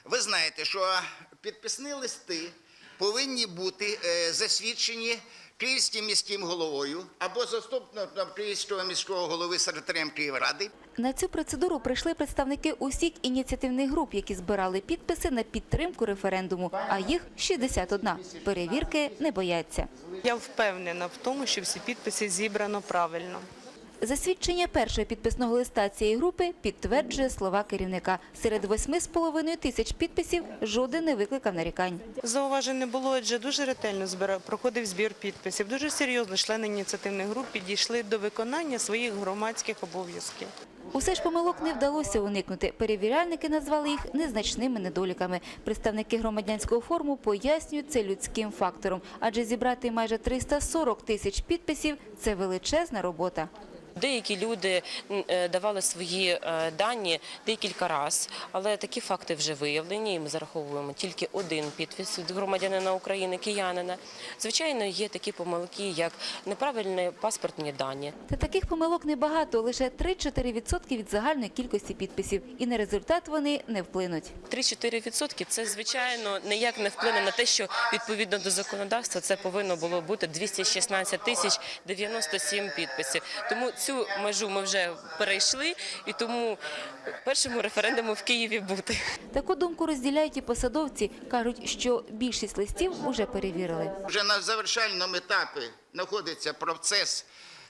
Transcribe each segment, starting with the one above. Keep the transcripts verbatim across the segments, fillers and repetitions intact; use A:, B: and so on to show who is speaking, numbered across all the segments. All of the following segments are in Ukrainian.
A: Ви знаєте, що підписні листи повинні бути засвідчені Київським міським головою або заступником Київського міського голови секретарем Київради.
B: На цю процедуру прийшли представники усіх ініціативних груп, які збирали підписи на підтримку референдуму, а їх шістдесят одна. Перевірки не бояться.
C: Я впевнена в тому, що всі підписи зібрано правильно.
B: Засвідчення першого підписного листа цієї групи підтверджує слова керівника. Серед восьми з половиною тисяч підписів жоден не викликав нарікань.
C: Зауважень не було, адже дуже ретельно збирав, проходив збір підписів. Дуже серйозно члени ініціативних груп підійшли до виконання своїх громадських обов'язків.
B: Усе ж помилок не вдалося уникнути. Перевіряльники назвали їх незначними недоліками. Представники громадянського форуму пояснюють це людським фактором, адже зібрати майже триста сорок тисяч підписів – це величезна робота.
D: Деякі люди давали свої дані декілька разів, але такі факти вже виявлені, і ми зараховуємо тільки один підпис від громадянина України, киянина. Звичайно, є такі помилки, як неправильні паспортні дані.
B: Та таких помилок небагато, лише три-чотири відсотки від загальної кількості підписів. І на результат вони не вплинуть.
D: три-чотири відсотки – це, звичайно, ніяк не вплине на те, що відповідно до законодавства це повинно було бути двісті шістнадцять тисяч дев'яносто сім підписів. Тому цю межу ми вже перейшли, і тому першому референдуму в Києві бути.
B: Таку думку розділяють і посадовці. Кажуть, що більшість листів вже перевірили.
A: Вже на завершальному етапі знаходиться процес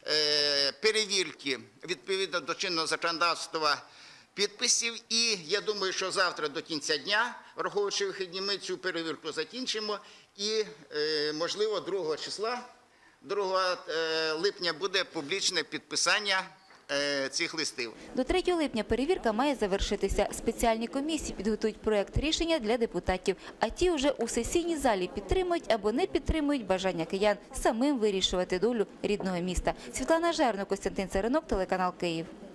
A: перевірки відповідно до чинного законодавства підписів. І я думаю, що завтра до кінця дня, враховуючи вихідні, ми цю перевірку закінчимо. І, можливо, другого числа, другого липня буде публічне підписання цих листів.
B: До третього липня перевірка має завершитися. Спеціальні комісії підготують проєкт рішення для депутатів, а ті вже у сесійній залі підтримують або не підтримують бажання киян самим вирішувати долю рідного міста. Світлана Жерно, Костянтин Царинок, телеканал Київ.